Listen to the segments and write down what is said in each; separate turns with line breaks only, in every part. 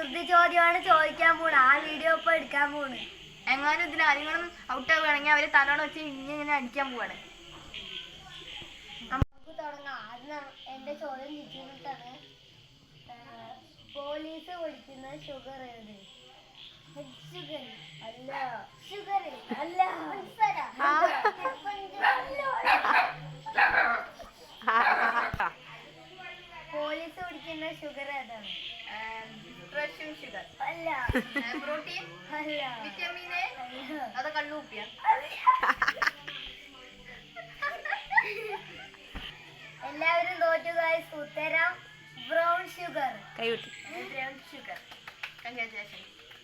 കുസൃതി ചോദ്യമാണ് ചോദിക്കാൻ പോണ്. ആ വീഡിയോ ഇപ്പൊ എടുക്കാൻ പോണ്.
എങ്ങാനും ഇതിൽ ആരെങ്കിലും ഔട്ട് ആവുകയാണെങ്കിൽ അവര് തലോണം വെച്ച് ഇങ്ങനെ അടിക്കാൻ പോവാണ്.
നമുക്ക് തുടങ്ങാം. ആദ്യം എന്റെ ചോദ്യം തിരിച്ചിട്ടാണ്. പോലീസ് വിളിക്കുന്ന ഷുഗർ ഏത്? ഷുഗർ അല്ല, ഷുഗർ അല്ല, പോലീസ് പിടിക്കുന്ന ഷുഗർ ഏതാണ്?
റഷ്യൻ ഷുഗർ
അല്ല.
പ്രോട്ടീൻ
അല്ല.
വിറ്റമിൻ എ അത് കള്ളുപ്പിയ.
എല്ലാവരും തോറ്റു ഗൈസ്. ഉത്തരം ബ്രൗൺ ഷുഗർ.
കൈവിട്ടു. Brown sugar. Congratulation.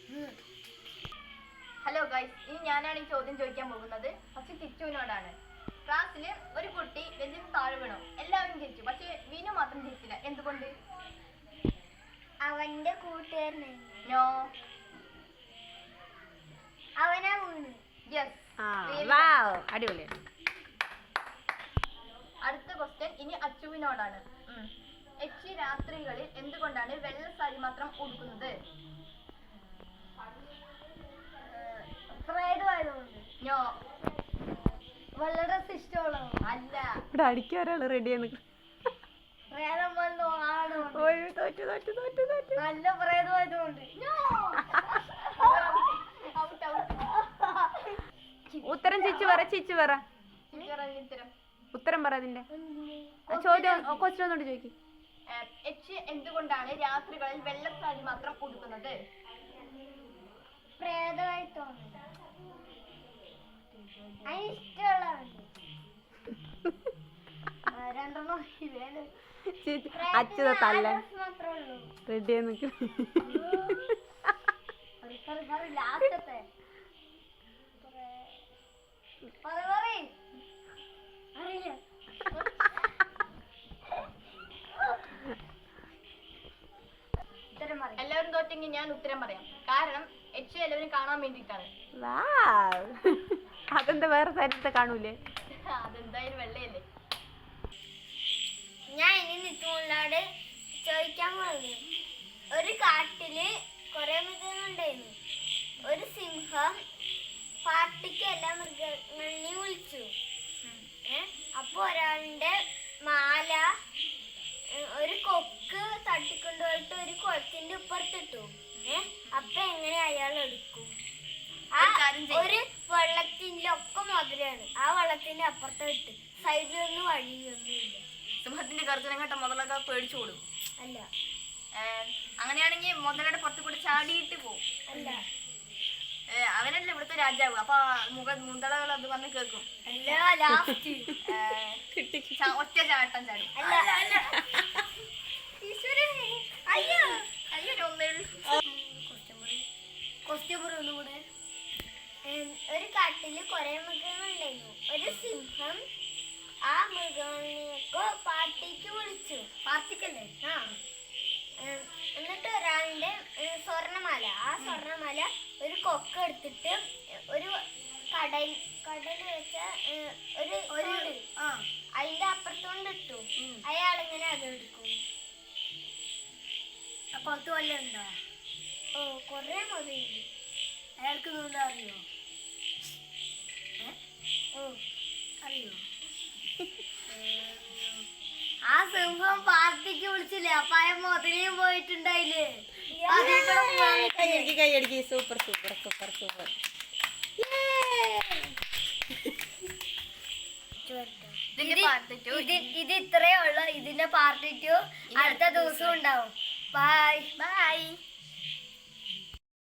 Hello guys, ഇനി ഞാനാണ് ഈ ചോദ്യം ചോദിക്കാൻ പോകുന്നത്. പക്ഷെ കിച്ചുവിനോടാണ്. ക്ലാസ്സിൽ ഒരു കുട്ടി വെഞ്ചിന് താഴെ വീണു. എല്ലാവരും ചിരിച്ചു, പക്ഷെ വീണു മാത്രം ചിരിച്ചില്ല. എന്തുകൊണ്ട്?
അവന്റെ കൂട്ടുകാരനെ.
നോ,
അവനാ വീണ്.
യെസ്.
അടിപൊളി.
അടുത്ത ക്വസ്റ്റ്യൻ ഇനി അച്ചുവിനോടാണ്. എച്ചി രാത്രികളിൽ എന്തുകൊണ്ടാണ് വെള്ള സാരി മാത്രം ഉടുക്കുന്നത്?
പ്രേതമായതുകൊണ്ട്.
നോ,
വെള്ള ഡ്രസ് ഇഷ്ടമുള്ളൂ.
അല്ല.
ഇവിടെ അടിക്കാൻ ഒരാള് റെഡിയാണ്.
പ്രേതം വന്നു ആണോ?
തോറ്റു തോറ്റു തോറ്റു തോറ്റു.
നല്ല പ്രേതമായതുകൊണ്ട്.
ഉത്തരം ചിച്ചു പറ, ചിച്ചു പറ. ഉത്തരം പറ അതിന്റെ ചോദ്യം. ക്വസ്റ്റ്യൻ ഒന്നുകൂടി ചോദിക്കും.
എച്ച് എന്തുകൊണ്ടാണ് രാത്രികളിൽ വെള്ള സാരി മാത്രം ഉടുക്കുന്നത്?
പ്രേതമായി തോന്നുന്നു. അതിന് ഇഷ്ടമുള്ളതുണ്ട്. രണ്ടെണ്ണം
അച്ഛത തല്ല
മാത്രമേ ഉള്ളൂ.
റെഡി നിൽക്കും.
ലാസ്റ്റത്തെ അറിയില്ല.
എല്ലാവരും തോറ്റെങ്കിൽ ഞാൻ ഉത്തരം പറയാം. കാരണം എച്ച് എല്ലാവരും കാണാൻ വേണ്ടിയിട്ടാണ്.
അതെന്താ വേറെ സാരിത്തെ കാണൂലേ?
അതെന്തായാലും വെള്ളയല്ലേ.
ഞാൻ ഇനി നിൽക്കുമ്പോഴാണ് ചോദിക്കാൻ പോകുന്നത്. ഒരു കാട്ടില് കുറെ മൃഗങ്ങളുണ്ടായിരുന്നു. ഒരു സിംഹം പാർട്ടിക്ക് എല്ലാ മൃഗങ്ങളെയും വിളിച്ചു. അപ്പൊ ഒരാളുടെ മാല ഒരു കൊക്ക് തട്ടിക്കൊണ്ടുപോയിട്ട് ഒരു കുളത്തിന്റെ ഇപ്പുറത്തിട്ടു. അപ്പൊ എങ്ങനെ അയാൾ എടുക്കും? ഒരു വെള്ളത്തിന്റെ ഒക്കെ മധുരമാണ്. ആ വെള്ളത്തിന്റെ അപ്പുറത്ത് ഇട്ട് സൈഡിലൊന്നും വഴിയൊന്നുമില്ല.
സിംഹത്തിന്റെ ഗർജനം കേട്ട മുതലൊക്കെ പേടിച്ചു കൊടുക്കും.
അല്ല.
അങ്ങനെയാണെങ്കിൽ മുതലയുടെ പുറത്ത് കൂടെ ചാടിയിട്ട് പോകും.
അല്ല.
അവനല്ലേ ഇവിടുത്തെ രാജാവ്. അപ്പൊ മുതലകൾ അത് വന്ന് കേൾക്കും.
അല്ല. ലാസ്റ്റ്
ഒറ്റ ചാട്ടം ചാടും.
അല്ല. അല്ല. അയ്യോ
അയ്യോ
ഒന്നുകൂടെ. ഒരു കാട്ടില് കുറെ മൃഗങ്ങളുണ്ടായിരുന്നു. ഒരു സിംഹം ആ മൃഗങ്ങളെയൊക്കെ പാർട്ടിക്ക് വിളിച്ചു.
പാർട്ടിക്കല്ലേ?
എന്നിട്ട് ഒരാളുടെ സ്വർണ്ണമാല, ആ സ്വർണ്ണമാല ഒരു കൊക്ക എടുത്തിട്ട് ഒരു കടൽ വെച്ച ഒരു അതിന്റെ അപ്പുറത്തോണ്ട് ഇട്ടു. അയാളിങ്ങനെ അതെടുക്കും.
പുറത്ത് വല്ല ഉണ്ടോ?
കൊറേ മതിയുണ്ട്.
അയാൾക്ക് നീന്താ അറിയോ? അറിയോ?
ആ സിംഹം പാർട്ടിക്ക് വിളിച്ചില്ലേ? അപ്പൊ അയാൾ മുതലേയും പോയിട്ടുണ്ടായില്ലേ?
കൈയടിക്ക്. Super super super super.
ഇത് ഇത്രയേ ഉള്ളൂ. ഇതിന്റെ പാർട്ട് 2 അടുത്ത ദിവസം ഉണ്ടാവും. ബൈ.